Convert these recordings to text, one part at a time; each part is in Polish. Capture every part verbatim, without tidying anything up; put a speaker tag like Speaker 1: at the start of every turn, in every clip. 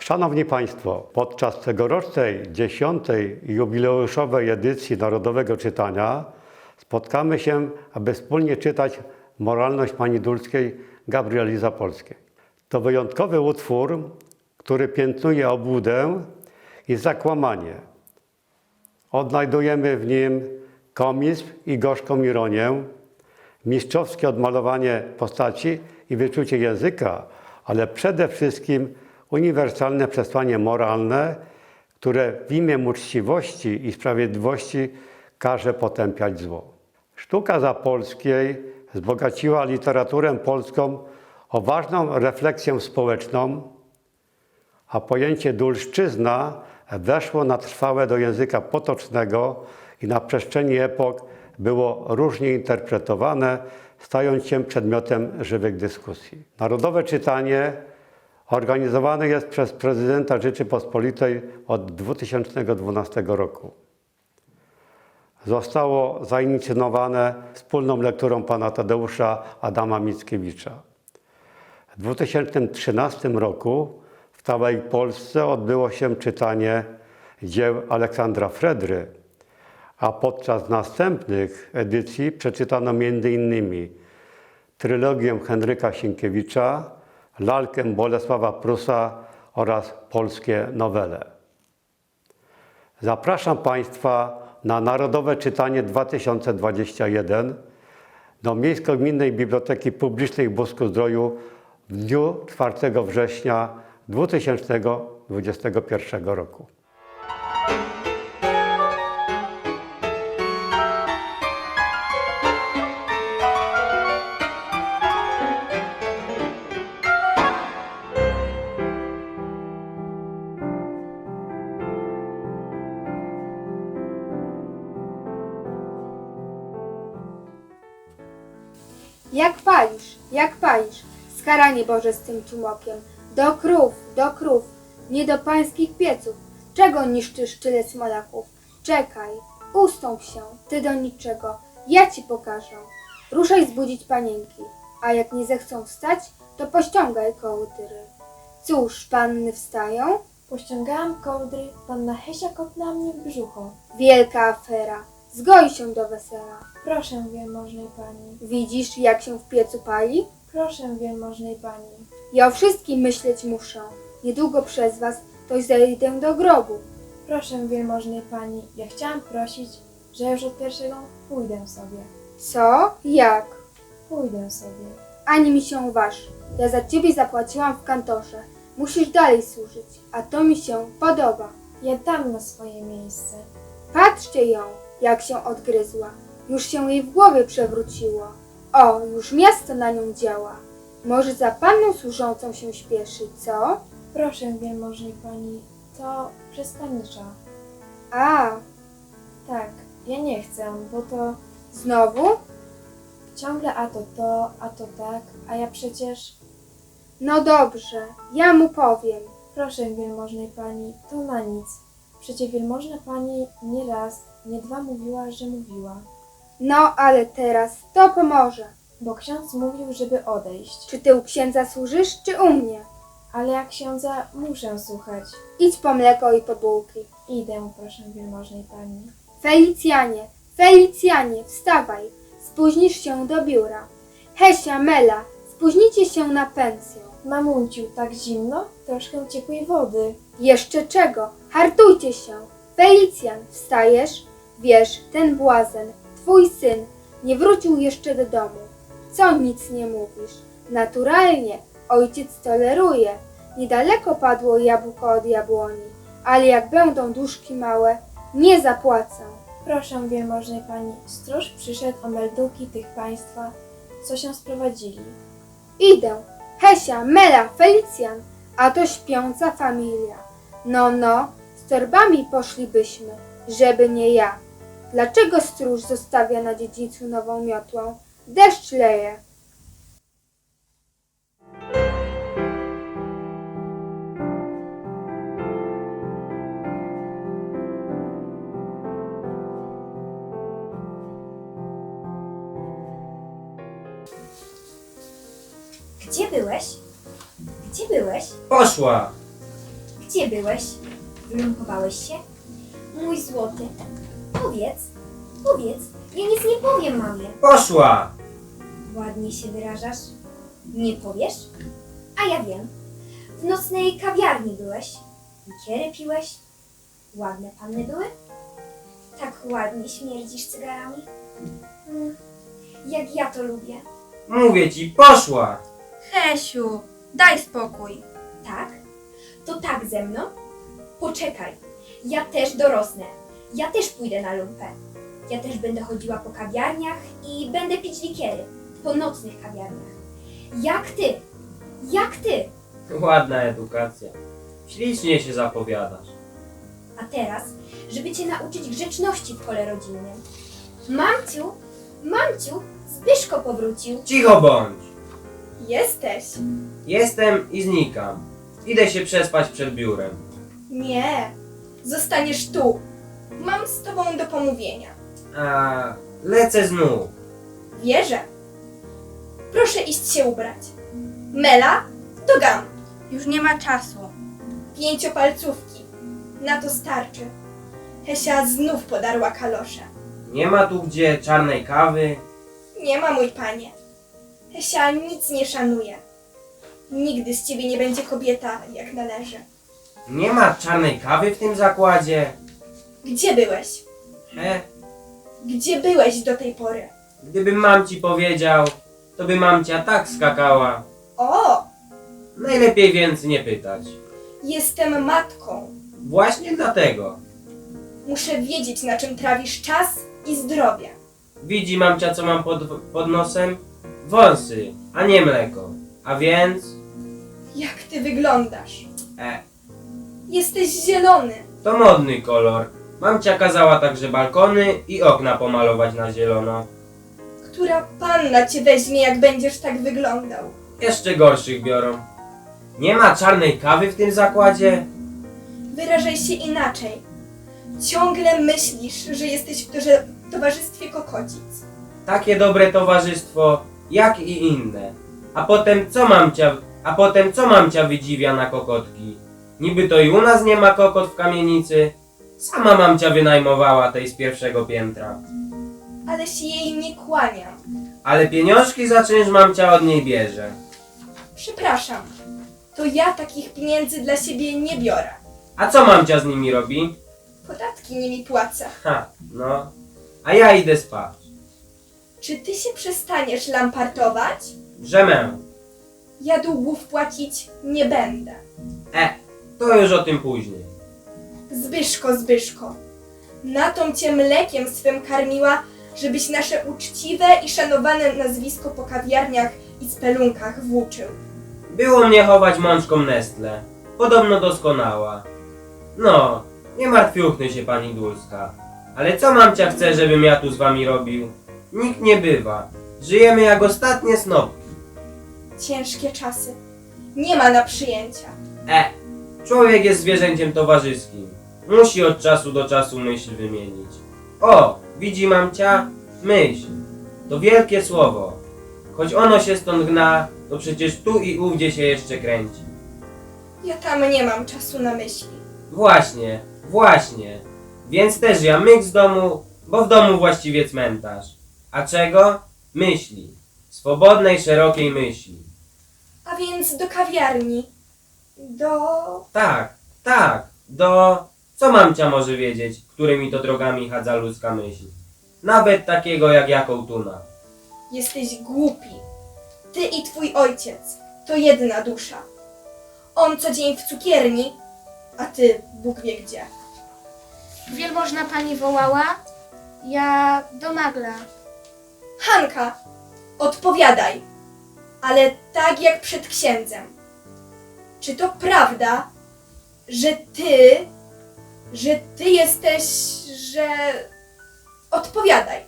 Speaker 1: Szanowni Państwo, podczas tegorocznej dziesiątej jubileuszowej edycji Narodowego Czytania spotkamy się, aby wspólnie czytać Moralność Pani Dulskiej Gabrieli Zapolskiej. To wyjątkowy utwór, który piętnuje obłudę i zakłamanie. Odnajdujemy w nim komizm i gorzką ironię, mistrzowskie odmalowanie postaci i wyczucie języka, ale przede wszystkim uniwersalne przesłanie moralne, które w imię uczciwości i sprawiedliwości każe potępiać zło. Sztuka Zapolskiej wzbogaciła literaturę polską o ważną refleksję społeczną, a pojęcie dulszczyzna weszło na trwałe do języka potocznego i na przestrzeni epok było różnie interpretowane, stając się przedmiotem żywych dyskusji. Narodowe Czytanie organizowane jest przez prezydenta Rzeczypospolitej od dwa tysiące dwunastego roku. Zostało zainicjowane wspólną lekturą pana Tadeusza Adama Mickiewicza. W dwa tysiące trzynastym roku w całej Polsce odbyło się czytanie dzieł Aleksandra Fredry, a podczas następnych edycji przeczytano między innymi trylogię Henryka Sienkiewicza, lalkę Bolesława Prusa oraz polskie nowele. Zapraszam Państwa na Narodowe Czytanie dwa tysiące dwudziesty pierwszy do Miejsko-Gminnej Biblioteki Publicznej w Busku-Zdroju w dniu czwartego września dwa tysiące dwudziestego pierwszego roku.
Speaker 2: Jak palisz, jak palisz, skaranie Boże z tym tłumokiem. Do krów, do krów, nie do pańskich pieców. Czego niszczysz tyle smolaków? Czekaj, ustąp się, ty do niczego, ja ci pokażę. Ruszaj zbudzić panienki, a jak nie zechcą wstać, to pościągaj kołdry. Cóż, panny wstają?
Speaker 3: Pościągałam kołdry, panna Hesia kopnęła mnie w brzucho.
Speaker 2: Wielka afera, zgoi się do wesela.
Speaker 3: Proszę wielmożnej pani,
Speaker 2: Widzisz, jak się w piecu pali?
Speaker 3: proszę wielmożnej pani.
Speaker 2: Ja o wszystkim myśleć muszę. Niedługo przez was to zejdę do grobu.
Speaker 3: Proszę wielmożnej pani, ja chciałam prosić, że już od pierwszego pójdę sobie.
Speaker 2: Co? Jak?
Speaker 3: Pójdę sobie.
Speaker 2: Ani mi się waż. Ja za ciebie zapłaciłam w kantorze. Musisz dalej służyć, a to mi się podoba.
Speaker 3: Ja dam na swoje miejsce.
Speaker 2: Patrzcie ją, jak się odgryzła. Już się jej w głowie przewróciło. O, już miasto na nią działa. Może za panną służącą się śpieszy, co?
Speaker 3: Proszę wielmożnej pani, to przez panicza.
Speaker 2: A,
Speaker 3: Tak, ja nie chcę, bo to
Speaker 2: znowu?
Speaker 3: ciągle a to to, a to tak, a ja przecież...
Speaker 2: No dobrze, ja mu powiem.
Speaker 3: Proszę wielmożnej pani, to na nic. Przecie wielmożna pani nie raz, nie dwa mówiła, że mówiła.
Speaker 2: No, ale teraz to pomoże.
Speaker 3: Bo ksiądz mówił, żeby odejść.
Speaker 2: Czy ty u księdza służysz, czy u mnie?
Speaker 3: Ale jak księdza muszę słuchać.
Speaker 2: Idź po mleko i po bułki.
Speaker 3: Idę, proszę wielmożnej pani.
Speaker 2: Felicjanie, Felicjanie, wstawaj, spóźnisz się do biura. Hesia, Mela, spóźnicie się na pensję.
Speaker 3: Mamunciu, tak zimno? Troszkę ciepłej wody.
Speaker 2: Jeszcze czego? Hartujcie się. Felicjan, wstajesz? Wiesz, ten błazen, twój syn, nie wrócił jeszcze do domu. Co nic nie mówisz? Naturalnie, ojciec toleruje. Niedaleko padło jabłko od jabłoni, ale jak będą duszki małe, nie zapłacę.
Speaker 3: Proszę wielmożnej pani, stróż przyszedł o melduki tych państwa, co się sprowadzili.
Speaker 2: Idę. Hesia, Mela, Felicjan, a to śpiąca familia. No, no, z torbami poszlibyśmy, żeby nie ja. Dlaczego stróż zostawia na dziedzińcu nową miotłę? Deszcz leje.
Speaker 4: Gdzie byłeś? Gdzie byłeś?
Speaker 5: Poszła!
Speaker 4: Gdzie byłeś? Wyląkowałeś się? Mój złoty, powiedz, powiedz, ja nic nie powiem mamie.
Speaker 5: Poszła!
Speaker 4: Ładnie się wyrażasz. Nie powiesz? A ja wiem. W nocnej kawiarni byłeś. Likiery piłeś. Ładne panny były? Tak ładnie śmierdzisz cygarami. Mm, jak ja to lubię.
Speaker 5: Mówię ci, poszła!
Speaker 6: Hesiu, daj spokój.
Speaker 4: Tak? To tak ze mną? Poczekaj. Ja też dorosnę. Ja też pójdę na lumpę. Ja też będę chodziła po kawiarniach i będę pić likiery. Po nocnych kawiarniach. Jak ty? Jak ty?
Speaker 5: Ładna edukacja. Ślicznie się zapowiadasz.
Speaker 4: A teraz, żeby cię nauczyć grzeczności w kole rodzinnym. Mamciu, mamciu, Zbyszko powrócił.
Speaker 5: Cicho bądź!
Speaker 2: Jesteś?
Speaker 5: Jestem i znikam. Idę się przespać przed biurem.
Speaker 2: Nie. Zostaniesz tu. Mam z tobą do pomówienia.
Speaker 5: A lecę znów.
Speaker 2: Wierzę. Proszę iść się ubrać. Mela, do gam.
Speaker 6: Już nie ma czasu.
Speaker 2: Pięciopalcówki. Na to starczy. Hesia znów podarła kalosze.
Speaker 5: Nie ma tu gdzie czarnej kawy.
Speaker 2: Nie ma, mój panie. Hesia nic nie szanuje. Nigdy z ciebie nie będzie kobieta, jak należy.
Speaker 5: Nie ma czarnej kawy w tym zakładzie.
Speaker 2: Gdzie byłeś?
Speaker 5: He?
Speaker 2: Gdzie byłeś do tej pory?
Speaker 5: Gdybym mamci powiedział, to by mamcia tak skakała.
Speaker 2: O,
Speaker 5: Najlepiej więc nie pytać.
Speaker 2: jestem matką.
Speaker 5: Właśnie dlatego.
Speaker 2: Muszę wiedzieć, na czym trawisz czas i zdrowie.
Speaker 5: Widzi mamcia, co mam pod, pod nosem? Wąsy, a nie mleko. A więc...
Speaker 2: Jak ty wyglądasz?
Speaker 5: E,
Speaker 2: Jesteś zielony.
Speaker 5: to modny kolor. Mamcia kazała także balkony i okna pomalować na zielono.
Speaker 2: Która panna cię weźmie, jak będziesz tak wyglądał?
Speaker 5: Jeszcze gorszych biorą. Nie ma czarnej kawy w tym zakładzie?
Speaker 2: Wyrażaj się inaczej. Ciągle myślisz, że jesteś w torze- towarzystwie kokocic.
Speaker 5: Takie dobre towarzystwo, jak i inne. A potem co mamcia, a potem co mamcia wydziwia na kokotki? Niby to i u nas nie ma kokot w kamienicy. Sama mamcia wynajmowała tej z pierwszego piętra.
Speaker 2: Ale się jej nie kłaniam.
Speaker 5: Ale pieniążki za czynsz mamcia od niej bierze.
Speaker 2: Przepraszam. To ja takich pieniędzy dla siebie nie biorę.
Speaker 5: A co mamcia z nimi robi?
Speaker 2: Podatki nimi płacę.
Speaker 5: Ha, no. A ja idę spać.
Speaker 2: Czy ty się przestaniesz lampartować?
Speaker 5: Drzemę.
Speaker 2: Ja długów płacić nie będę.
Speaker 5: E, to już o tym później.
Speaker 2: Zbyszko, Zbyszko, na tą cię mlekiem swym karmiła, żebyś nasze uczciwe i szanowane nazwisko po kawiarniach i spelunkach włóczył.
Speaker 5: Było mnie chować mączką Nestle. Podobno doskonała. No, nie martwiuchny się pani Dulska. Ale co mamcia chce, żebym ja tu z wami robił? Nikt nie bywa. Żyjemy jak ostatnie snopki.
Speaker 2: Ciężkie czasy. Nie ma na przyjęcia.
Speaker 5: E, człowiek jest zwierzęciem towarzyskim. Musi od czasu do czasu myśl wymienić. O, widzi mamcia? Myśl. To wielkie słowo. Choć ono się stąd gna, to przecież tu i ówdzie się jeszcze kręci.
Speaker 2: Ja tam nie mam czasu na myśli.
Speaker 5: Właśnie, właśnie. Więc też ja myk z domu, bo w domu właściwie cmentarz. A czego? Myśli. Swobodnej, szerokiej myśli.
Speaker 2: A więc do kawiarni. Do...
Speaker 5: Tak, tak, do... Co mamcia może wiedzieć, którymi to drogami chadza ludzka myśl? Nawet takiego jak ja kołtuna.
Speaker 2: Jesteś głupi. Ty i twój ojciec to jedna dusza. On co dzień w cukierni, a ty Bóg wie gdzie.
Speaker 6: Wielmożna pani wołała? Ja do magla.
Speaker 2: Hanka, odpowiadaj, ale tak jak przed księdzem. Czy to prawda, że ty, że ty jesteś, że... Odpowiadaj.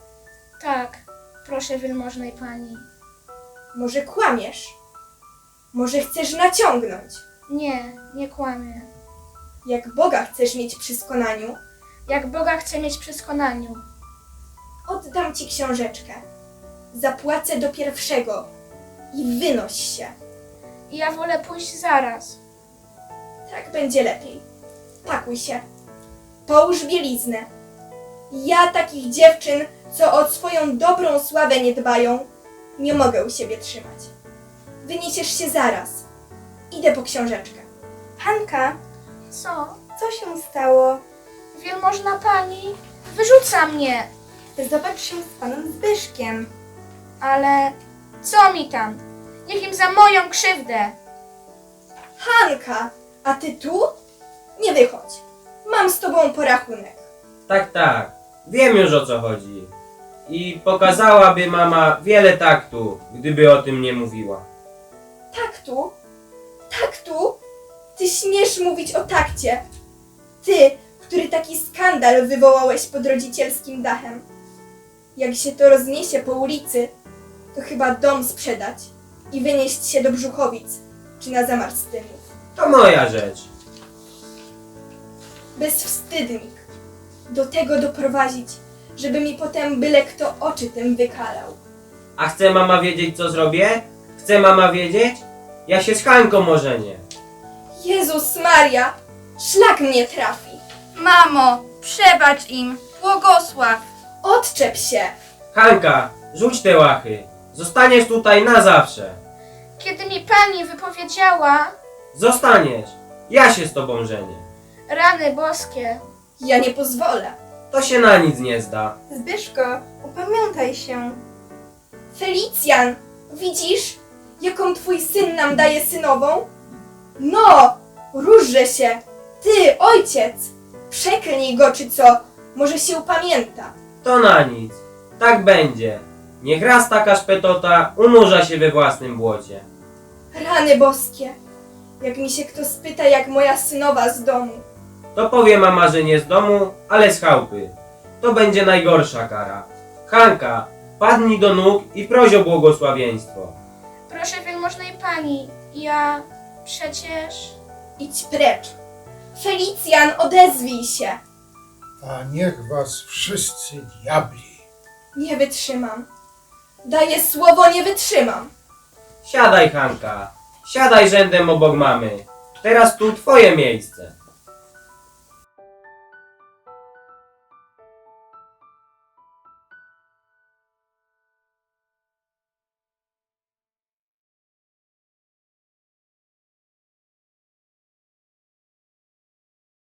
Speaker 6: Tak, proszę wielmożnej pani.
Speaker 2: Może kłamiesz? Może chcesz naciągnąć?
Speaker 6: Nie, nie kłamię.
Speaker 2: Jak Boga chcesz mieć przy skonaniu,
Speaker 6: Jak Boga chcę mieć przy skonaniu.
Speaker 2: oddam ci książeczkę. Zapłacę do pierwszego i wynoś się.
Speaker 6: I ja wolę pójść zaraz.
Speaker 7: Tak będzie lepiej. Pakuj się. Połóż bieliznę. Ja takich dziewczyn, co o swoją dobrą sławę nie dbają, nie mogę u siebie trzymać. Wyniesiesz się zaraz. Idę po książeczkę. Hanka,
Speaker 6: Co?
Speaker 7: co się stało?
Speaker 6: Wielmożna pani wyrzuca mnie.
Speaker 7: Zobacz się z panem Zbyszkiem.
Speaker 6: Ale co mi tam? Niech im za moją krzywdę.
Speaker 7: Hanka, a ty tu? Nie wychodź. Mam z tobą porachunek.
Speaker 5: Tak, tak. Wiem już o co chodzi. I pokazałaby mama wiele taktu, gdyby o tym nie mówiła.
Speaker 7: Taktu? Taktu? Ty śmiesz mówić o takcie. Ty, który taki skandal wywołałeś pod rodzicielskim dachem. Jak się to rozniesie po ulicy, to chyba dom sprzedać i wynieść się do Brzuchowic czy na Zamarstynów.
Speaker 5: To moja rzecz.
Speaker 7: Bezwstydnik. Do tego doprowadzić, żeby mi potem byle kto oczy tym wykalał.
Speaker 5: A chce mama wiedzieć co zrobię? Chce mama wiedzieć? Ja się z Hanką ożenię.
Speaker 7: Jezus Maria, szlak mnie trafi.
Speaker 8: Mamo, przebacz im, błogosław.
Speaker 7: Odczep się.
Speaker 5: Hanka, rzuć te łachy. Zostaniesz tutaj na zawsze.
Speaker 6: Kiedy mi pani wypowiedziała,
Speaker 5: Zostaniesz. Ja się z tobą żenię.
Speaker 6: rany boskie,
Speaker 7: Ja nie pozwolę.
Speaker 5: To się na nic nie zda.
Speaker 7: Zbyszko, upamiętaj się. Felicjan, widzisz, jaką twój syn nam daje synową? No, różże się. Ty, ojciec, przeklnij go czy co, może się upamięta.
Speaker 5: To na nic. Tak będzie. Niech raz taka szpetota unurza się we własnym błocie.
Speaker 7: Rany boskie, jak mi się kto spyta, jak moja synowa z domu.
Speaker 5: To powie mama, że nie z domu, ale z chałupy. To będzie najgorsza kara. Hanka, padnij do nóg i proś o błogosławieństwo.
Speaker 6: proszę wielmożnej pani, ja przecież...
Speaker 7: Idź precz. Felicjan, odezwij się.
Speaker 9: A niech was wszyscy diabli.
Speaker 7: Nie wytrzymam. Daję słowo, nie wytrzymam.
Speaker 5: Siadaj, Hanka. Siadaj rzędem obok mamy. Teraz tu twoje miejsce.